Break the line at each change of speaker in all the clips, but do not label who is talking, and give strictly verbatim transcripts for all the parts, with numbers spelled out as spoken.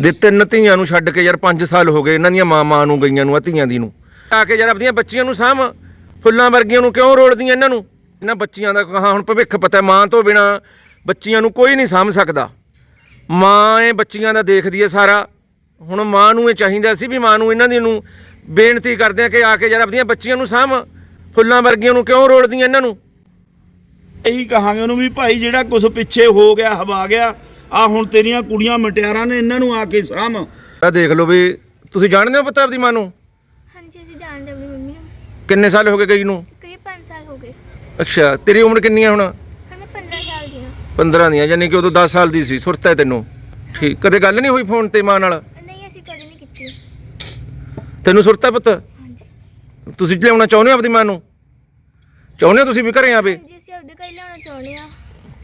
ਦੇ ਤਿੰਨ ਧੀਆਂ ਨੂੰ ਛੱਡ ਕੇ ਯਾਰ ਪੰਜ ਸਾਲ ਹੋ ਗਏ ਇਹਨਾਂ ਦੀਆਂ ਮਾਂ ਮਾਂ ਨੂੰ ਗਈਆਂ ਨੂੰ ਆ ਧੀਆਂ ਦੀ ਨੂੰ ਆ ਕੇ ਯਾਰ ਆਪਣੀਆਂ ਬੱਚੀਆਂ ਨੂੰ ਸਾਂਭ ਫੁੱਲਾਂ ਵਰਗੀਆਂ ਨੂੰ ਕਿਉਂ ਰੋਲਦੀਆਂ ਇਹਨਾਂ ਨੂੰ ਇਹਨਾਂ ਬੱਚੀਆਂ ਦਾ ਕਹਾਂ ਹੁਣ ਭਵਿੱਖ ਪਤਾ ਮਾਂ ਤੋਂ ਬਿਨਾ ਬੱਚੀਆਂ ਨੂੰ ਕੋਈ ਨਹੀਂ ਸਾਂਭ ਸਕਦਾ ਮਾਂ ਇਹ ਬੱਚੀਆਂ ਦਾ ਦੇਖਦੀ ਹੈ ਸਾਰਾ ਹੁਣ ਮਾਂ ਨੂੰ ਇਹ ਚਾਹੀਦਾ ਸੀ ਵੀ ਮਾਂ ਨੂੰ ਇਹਨਾਂ ਦੀ ਨੂੰ ਬੇਨਤੀ ਕਰਦੇ ਆ ਕਿ ਆ ਕੇ ਯਾਰ ਆਪਣੀਆਂ ਬੱਚੀਆਂ ਨੂੰ ਸਾਂਭ ਫੁੱਲਾਂ ਵਰਗੀਆਂ ਨੂੰ ਕਿਉਂ ਰੋਲਦੀਆਂ ਇਹਨਾਂ ਨੂੰ
ਇਹੀ ਕਹਾਂਗੇ ਉਹਨੂੰ ਵੀ ਭਾਈ ਜਿਹੜਾ ਕੁਝ ਪਿੱਛੇ ਹੋ ਗਿਆ ਹਵਾ ਗਿਆ ਆ ਹੁਣ ਤੇਰੀਆਂ ਕੁੜੀਆਂ ਮਟਿਆਰਾਂ ਨੇ ਇਹਨਾਂ ਨੂੰ ਆ ਕੇ ਸਾਂਭ
ਆ ਦੇਖ ਲਓ ਵੀ ਤੁਸੀਂ ਜਾਣਦੇ ਹੋ ਪਤਾ ਆਪਦੀ ਮਾਂ ਨੂੰ
ਹਾਂਜੀ ਅਸੀਂ ਜਾਣਦੇ ਆਪਣੀ ਮੰਮੀ ਨੂੰ
ਕਿੰਨੇ ਸਾਲ ਹੋ ਗਏ ਗਈ ਨੂੰ
ਕਰੀਬ ਪੰਜ ਸਾਲ ਹੋ ਗਏ
ਅੱਛਾ ਤੇਰੀ ਉਮਰ ਕਿੰਨੀ ਹੈ ਹੁਣ
ਹੁਣ ਮੈਂ ਪੰਦਰਾਂ ਸਾਲ ਦੀ ਹਾਂ
ਪੰਦਰਾਂ ਦੀਆਂ ਯਾਨੀ ਕਿ ਉਦੋਂ ਦਸ ਸਾਲ ਦੀ ਸੀ ਸੁਰਤ ਹੈ ਤੈਨੂੰ ਠੀਕ ਕਦੇ ਗੱਲ ਨਹੀਂ ਹੋਈ ਫੋਨ ਤੇ ਮਾਂ ਨਾਲ
ਨਹੀਂ ਅਸੀਂ ਕਦੇ ਨਹੀਂ ਕੀਤੀ
ਤੈਨੂੰ ਸੁਰਤ ਹੈ ਪੁੱਤ
ਹਾਂਜੀ
ਤੁਸੀਂ ਲਿਆਉਣਾ ਚਾਹੁੰਦੇ ਹੋ ਆਪਦੀ ਮਾਂ ਨੂੰ ਚਾਹੁੰਦੇ ਹੋ ਤੁਸੀਂ ਵੀ ਘਰੇ ਆਵੇ
ਜੀ ਅਸੀਂ ਆਪਦੇ ਘਰ ਲਿਆਉਣਾ ਚਾਹੁੰਦੇ ਆ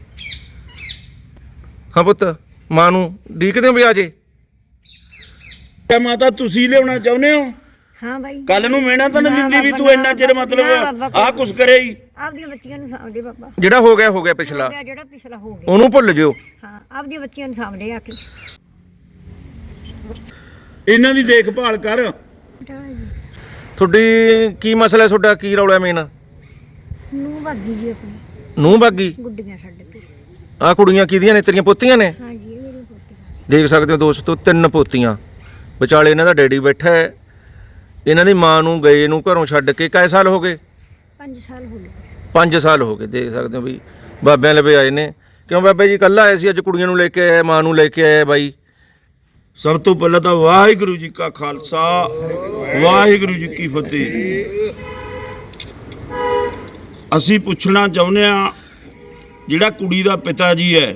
ਹਾਂ ਪੁੱਤ ਮਾਂ ਨੂੰ ਡੀਕਦੇ ਹੋ ਵੀ ਆ ਜੇ
ਤੇ ਮਾਤਾ ਤੁਸੀਂ ਲਿਆਉਣਾ ਚਾਹੁੰਦੇ ਹੋ
ਹਾਂ ਬਾਈ
ਕੱਲ ਨੂੰ ਮਿਹਣਾ ਤਾਂ ਨਹੀਂ ਦਿੰਦੀ ਵੀ ਤੂੰ ਇੰਨਾ ਚਿਰ ਮਤਲਬ ਆਹ ਕੁਛ ਕਰੇ ਹੀ
ਆਪਦੀਆਂ ਬੱਚੀਆਂ ਨੂੰ ਸਾਂਭਦੇ ਬਾਬਾ
ਜਿਹੜਾ ਹੋ ਗਿਆ ਹੋ ਗਿਆ ਪਿਛਲਾ
ਜਿਹੜਾ ਜਿਹੜਾ ਪਿਛਲਾ ਹੋ ਗਿਆ
ਉਹਨੂੰ ਭੁੱਲ ਜਿਓ
ਹਾਂ ਆਪਦੀਆਂ ਬੱਚੀਆਂ ਨੂੰ ਸਾਂਭਦੇ ਆ ਕੇ
ਇਹਨਾਂ ਦੀ ਦੇਖਭਾਲ ਕਰ
ਤੁਹਾਡੀ ਕੀ ਮਸਲਾ ਹੈ ਤੁਹਾਡਾ ਕੀ ਰੌਲਾ ਮੇਨ
ਨੂੰ ਭਾਗੀ ਜੀ ਆਪਣੀ
ਨੂੰ ਬਾਗੀ
ਗੁੱਡੀਆਂ ਛੱਡ ਕੇ
ਆਹ ਕੁੜੀਆਂ ਕਿਹਦੀਆਂ ਨੇ ਤੇਰੀਆਂ ਪੋਤੀਆਂ ਨੇ
ਹਾਂਜੀ ਇਹ ਮੇਰੀ ਪੋਤੀ
ਦੇਖ ਸਕਦੇ ਹੋ ਦੋਸਤੋ ਤਿੰਨ ਪੋਤੀਆਂ ਵਿਚਾਲੇ ਇਹਨਾਂ ਦਾ ਡੈਡੀ ਬੈਠਾ ਹੈ ਇਹਨਾਂ ਦੀ ਮਾਂ ਨੂੰ ਗਏ ਨੂੰ ਘਰੋਂ ਛੱਡ ਕੇ ਕਈ ਸਾਲ ਹੋ ਗਏ
ਪੰਜ ਸਾਲ ਹੋ ਗਏ
ਪੰਜ ਸਾਲ ਹੋ ਗਏ ਦੇਖ ਸਕਦੇ ਹੋ ਵੀ ਬਾਬਿਆਂ ਲਵੇ ਆਏ ਨੇ ਕਿਉਂ ਬਾਬਾ ਜੀ ਕੱਲਾ ਆਏ ਸੀ ਅੱਜ ਕੁੜੀਆਂ ਨੂੰ ਲੈ ਕੇ ਆਇਆ ਮਾਂ ਨੂੰ ਲੈ ਕੇ ਆਇਆ ਬਾਈ
ਸਭ ਤੋਂ ਪਹਿਲਾਂ ਤਾਂ ਵਾਹਿਗੁਰੂ ਜੀ ਕਾ ਖਾਲਸਾ ਵਾਹਿਗੁਰੂ ਜੀ ਕੀ ਫਤਿਹ ਅਸੀਂ ਪੁੱਛਣਾ ਚਾਹੁੰਦੇ ਆ ਜਿਹੜਾ ਕੁੜੀ ਦਾ ਪਿਤਾ ਜੀ ਹੈ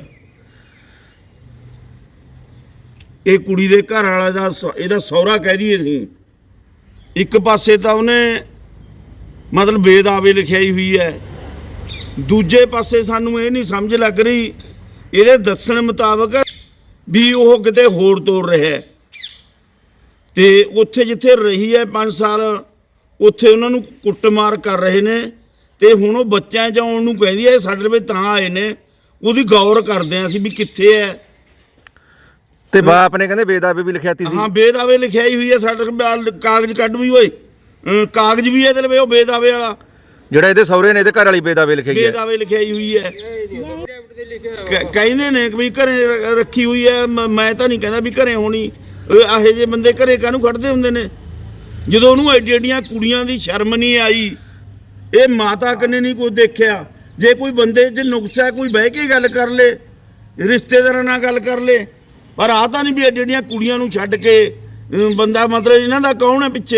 ਇਹ ਕੁੜੀ ਦੇ ਘਰ ਵਾਲੇ ਦਾ ਇਹਦਾ ਸਹੁਰਾ ਕਹਿ ਦਈਏ ਅਸੀਂ ਇੱਕ ਪਾਸੇ ਤਾਂ ਉਹਨੇ ਮਤਲਬ ਬੇਦਾਵੇ ਲਿਖਾਈ ਹੋਈ ਹੈ ਦੂਜੇ ਪਾਸੇ ਸਾਨੂੰ ਇਹ ਨਹੀਂ ਸਮਝ ਲੱਗ ਰਹੀ ਇਹਦੇ ਦੱਸਣ ਮੁਤਾਬਕ ਵੀ ਉਹ ਕਿਤੇ ਹੋਰ ਤੋਰ ਰਿਹਾ ਤੇ ਉੱਥੇ ਜਿੱਥੇ ਰਹੀ ਹੈ ਪੰਜ ਸਾਲ ਉੱਥੇ ਉਹਨਾਂ ਨੂੰ ਕੁੱਟਮਾਰ ਕਰ ਰਹੇ ਨੇ ਤੇ ਹੁਣ ਉਹ ਬੱਚਿਆਂ ਚ ਆਉਣ ਨੂੰ ਕਹਿੰਦੀ ਹੈ ਸਾਡੇ ਵਿੱਚ ਤਾਂ ਆਏ ਨੇ ਉਹਦੀ ਗੌਰ ਕਰਦੇ ਆ ਅਸੀਂ ਵੀ ਕਿੱਥੇ ਹੈ
ਤੇ ਬਾਪ ਨੇ ਕਹਿੰਦੇ ਬੇਦਾਵੇ ਵੀ ਲਿਖਿਆਤੀ ਸੀ
ਹਾਂ ਬੇਦਾਵੇ ਲਿਖਾਈ ਹੋਈ ਹੈ ਸਾਡੇ ਕੋਲ ਕਾਗਜ਼ ਕੱਢ ਵੀ ਓਏ ਅਹ ਕਾਗਜ਼ ਵੀ ਇਹਦੇ ਲਵੇ ਉਹ ਬੇਦਾਵੇ ਵਾਲਾ
ਜਿਹੜਾ ਇਹਦੇ ਸਹੁਰੇ ਨੇ ਇਹਦੇ ਘਰ ਵਾਲੀ ਬੇਦਾਵੇ ਲਿਖਾਈ ਹੈ
ਬੇਦਾਵੇ ਲਿਖਾਈ ਹੋਈ ਹੈ ਕ- ਕਹਿੰਦੇ ਨੇ ਕਿ ਵੀ ਘਰੇ ਰ- ਰੱਖੀ ਹੋਈ ਹੈ ਮ- ਮੈਂ ਤਾਂ ਨਹੀਂ ਕਹਿੰਦਾ ਵੀ ਘਰੇ ਹੋਣੀ ਇਹੋ ਜਿਹੇ ਬੰਦੇ ਘਰੇ ਕਾਹਨੂੰ ਖੜਦੇ ਹੁੰਦੇ ਨੇ ਜਦੋਂ ਉਹਨੂੰ ਐਡੀ ਐਡੀਆਂ ਕੁੜੀਆਂ ਦੀ ਸ਼ਰਮ ਨਹੀਂ ਆਈ ਇਹ ਮਾਤਾ ਕਨੇ ਨਹੀਂ ਕੋਈ ਦੇਖਿਆ ਜੇ ਕੋਈ ਬੰਦੇ 'ਚ ਨੁਕਸ ਹੈ ਕੋਈ ਬਹਿ ਕੇ ਗੱਲ ਕਰ ਲੇ ਰਿਸ਼ਤੇਦਾਰਾਂ ਨਾਲ ਗੱਲ ਕਰ ਲੇ ਪਰ ਆ ਤਾਂ ਨਹੀਂ ਵੀ ਐਡੀ ਐਡੀਆਂ ਕੁੜੀਆਂ ਨੂੰ ਛੱਡ ਕੇ ਅਮ, ਬੰਦਾ ਮਤਲਬ ਇਹਨਾਂ ਦਾ ਕੌਣ ਹੈ ਪਿੱਛੇ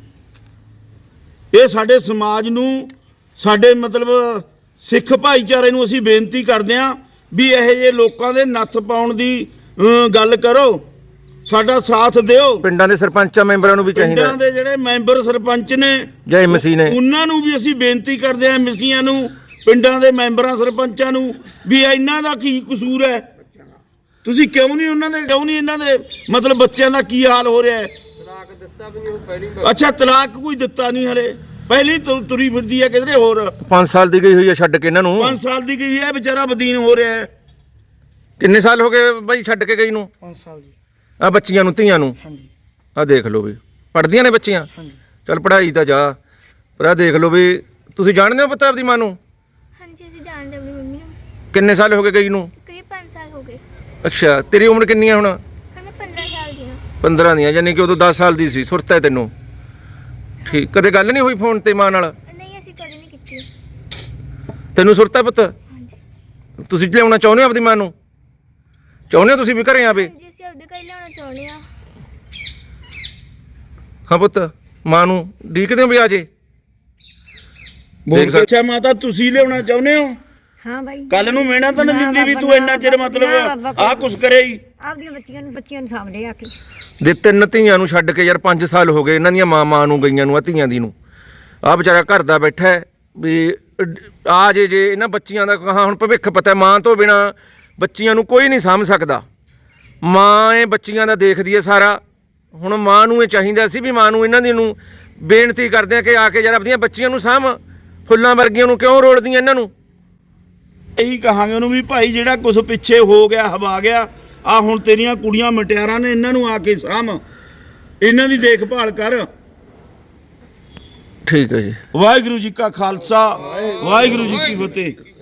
ਇਹ ਸਾਡੇ ਸਮਾਜ ਨੂੰ ਸਾਡੇ ਮਤਲਬ ਸਿੱਖ ਭਾਈਚਾਰੇ ਨੂੰ ਅਸੀਂ ਬੇਨਤੀ ਕਰਦੇ ਹਾਂ ਵੀ ਇਹੋ ਜਿਹੇ ਲੋਕਾਂ ਦੇ ਨੱਥ ਪਾਉਣ ਦੀ ਅਮ, ਗੱਲ ਕਰੋ ਸਾਡਾ ਸਾਥ ਦਿਓ
ਪਿੰਡਾਂ ਦੇ ਸਰਪੰਚਾਂ ਮੈਂਬਰਾਂ ਨੂੰ ਵੀ ਚਾਹੀਦਾ
ਪਿੰਡਾਂ ਦੇ ਜਿਹੜੇ ਮੈਂਬਰ ਸਰਪੰਚ ਨੇ
ਜਾਂ ਐਮਸੀ ਨੇ
ਉਹਨਾਂ ਨੂੰ ਵੀ ਅਸੀਂ ਬੇਨਤੀ ਕਰਦੇ ਹਾਂ ਐਮਸੀਆਂ ਨੂੰ ਪਿੰਡਾਂ ਦੇ ਮੈਂਬਰਾਂ ਸਰਪੰਚਾਂ ਨੂੰ ਵੀ ਇਹਨਾਂ ਦਾ ਕੀ ਕਸੂਰ ਹੈ ਤੁਸੀਂ ਕਿਉਂ ਨਹੀਂ ਉਹਨਾਂ ਦੇ ਕਿਉਂ ਨਹੀਂ ਇਹਨਾਂ ਦੇ ਮਤਲਬ ਬੱਚਿਆਂ ਦਾ ਕੀ ਹਾਲ ਹੋ ਰਿਹਾ ਹੈ ਤਲਾਕ ਦਿੱਤਾ ਵੀ ਨਹੀਂ ਉਹ ਪਹਿਲੀ ਅੱਛਾ ਤਲਾਕ ਕੋਈ ਦਿੱਤਾ ਨਹੀਂ ਹਲੇ ਪਹਿਲੀ ਤੁ- ਤੁਰੀ ਫਿਰਦੀ ਹੈ ਕਿਧਰੇ ਹੋਰ
ਪੰਜ ਸਾਲ ਦੀ ਗਈ ਹੋਈ ਹੈ ਛੱਡ ਕੇ ਇਹਨਾਂ ਨੂੰ
ਪੰਜ ਸਾਲ ਦੀ ਗਈ ਹੈ ਵਿਚਾਰਾ ਬਦੀਨ ਹੋ ਰਿਹਾ ਹੈ
ਕਿੰਨੇ ਸਾਲ ਹੋ ਗਏ ਬਾਈ ਛੱਡ ਕੇ ਗਈ ਨੂੰ
ਪੰਜ ਸਾਲ ਜੀ
ਆ ਬੱਚੀਆਂ ਨੂੰ ਧੀਆਂ ਨੂੰ
ਹਾਂਜੀ
ਆ ਦੇਖ ਲਓ ਵੀ ਪੜ੍ਹਦੀਆਂ ਨੇ ਬੱਚੀਆਂ
ਹਾਂਜੀ
ਚੱਲ ਪੜ੍ਹਾਈ ਤਾਂ ਜਾ ਪਰ ਆ ਦੇਖ ਲਓ ਵੀ ਤੁਸੀਂ ਜਾਣਦੇ ਹੋ ਪਤਾ ਆਪਦੀ ਮਾਂ ਨੂੰ
ਹਾਂਜੀ ਅਸੀਂ ਜਾਣਦੇ ਆਪਣੀ ਮੰਮੀ ਨੂੰ
ਕਿੰਨੇ ਸਾਲ ਹੋ ਗਏ ਗਈ ਨੂੰ
ਕਰੀਬ ਪੰਜ ਸਾਲ ਹੋ ਗਏ
ਅੱਛਾ ਤੇਰੀ ਉਮਰ ਕਿੰਨੀ ਹੈ ਹੁਣ
ਹੁਣ ਮੈਂ ਪੰਦਰਾਂ ਸਾਲ ਦੀ ਹਾਂ
ਪੰਦਰਾਂ ਦੀਆਂ ਯਾਨੀ ਕਿ ਉਦੋਂ ਦਸ ਸਾਲ ਦੀ ਸੀ ਸੁਰਤ ਹੈ ਤੈਨੂੰ ਠੀਕ ਕਦੇ ਗੱਲ ਨਹੀਂ ਹੋਈ ਫੋਨ ਤੇ ਮਾਂ ਨਾਲ
ਨਹੀਂ ਅਸੀਂ ਕਦੇ ਨਹੀਂ ਕੀਤੀ
ਤੈਨੂੰ ਸੁਰਤ ਹੈ ਪੁੱਤ
ਹਾਂਜੀ
ਤੁਸੀਂ ਲਿਆਉਣਾ ਚਾਹੁੰਦੇ ਹੋ ਆਪਦੀ ਮਾਂ ਨੂੰ ਚਾਹੁੰਦੇ ਹੋ ਤੁਸੀਂ ਵੀ ਘਰੇ ਆਵੇ
ਜੀ ਅਸੀਂ ਆਪਦੇ ਘਰ ਲਿਆਉਣਾ ਚਾਹੁੰਦੇ ਆ
ਹਾਂ ਪੁੱਤ ਮਾਂ ਨੂੰ ਡੀਕਦੇ ਹੋ ਵੀ ਆ ਜੇ
ਬਹੁਤ ਅੱਛਾ ਮਾਤਾ ਤੁਸੀਂ ਲਿਆਉਣਾ ਚਾਹੁੰਦੇ ਹੋ
ਹਾਂ ਬਾਈ
ਕੱਲ ਨੂੰ ਮਿਹਣਾ ਤਾਂ ਨਹੀਂ ਦਿੰਦੀ ਵੀ ਤੂੰ ਇੰਨਾ ਚਿਰ ਮਤਲਬ ਆਹ ਕੁਛ ਕਰੇ ਹੀ
ਆਪਦੀਆਂ ਬੱਚੀਆਂ ਨੂੰ ਬੱਚੀਆਂ ਨੂੰ ਸਾਂਭਦੇ ਆ ਕੇ
ਦੇ ਤਿੰਨ ਧੀਆਂ ਨੂੰ ਛੱਡ ਕੇ ਯਾਰ ਪੰਜ ਸਾਲ ਹੋ ਗਏ ਇਹਨਾਂ ਦੀਆਂ ਮਾਂ ਮਾਂ ਨੂੰ ਗਈਆਂ ਨੂੰ ਆ ਧੀਆਂ ਦੀ ਨੂੰ ਆ ਵਿਚਾਰਾ ਘਰ ਦਾ ਬੈਠਾ ਹੈ ਵੀ ਆ ਜੇ ਜੇ ਇਹਨਾਂ ਬੱਚੀਆਂ ਦਾ ਕਹਾਂ ਹੁਣ ਭਵਿੱਖ ਪਤਾ ਮਾਂ ਤੋਂ ਬਿਨਾ ਬੱਚੀਆਂ ਨੂੰ ਕੋਈ ਨਹੀਂ ਸਾਂਭ ਸਕਦਾ ਮਾਂ ਇਹ ਬੱਚੀਆਂ ਦਾ ਦੇਖਦੀ ਹੈ ਸਾਰਾ ਹੁਣ ਮਾਂ ਨੂੰ ਇਹ ਚਾਹੀਦਾ ਸੀ ਵੀ ਮਾਂ ਨੂੰ ਇਹਨਾਂ ਦੀ ਨੂੰ ਬੇਨਤੀ ਕਰਦੇ ਆ ਕਿ ਆ ਕੇ ਯਾਰ ਆਪਣੀਆਂ ਬੱਚੀਆਂ ਨੂੰ ਸਾਂਭ ਫੁੱਲਾਂ ਵਰਗੀਆਂ ਨੂੰ ਕਿਉਂ ਰੋਲਦੀਆਂ ਇਹਨਾਂ ਨੂੰ
ਇਹੀ ਕਹਾਂਗੇ ਉਹਨੂੰ ਵੀ ਭਾਈ ਜਿਹੜਾ ਕੁਝ ਪਿੱਛੇ ਹੋ ਗਿਆ ਹਵਾ ਗਿਆ ਆ ਹੁਣ ਤੇਰੀਆਂ ਕੁੜੀਆਂ ਮਟਿਆਰਾਂ ਨੇ, ਇਹਨਾਂ ਨੂੰ ਆ ਕੇ ਸਾਂਭ, ਇਹਨਾਂ ਦੀ ਦੇਖਭਾਲ ਕਰ।
ਠੀਕ ਹੈ ਜੀ।
ਵਾਹਿਗੁਰੂ ਜੀ ਕਾ ਖਾਲਸਾ, ਵਾਹਿਗੁਰੂ ਜੀ ਕੀ ਫਤਿਹ।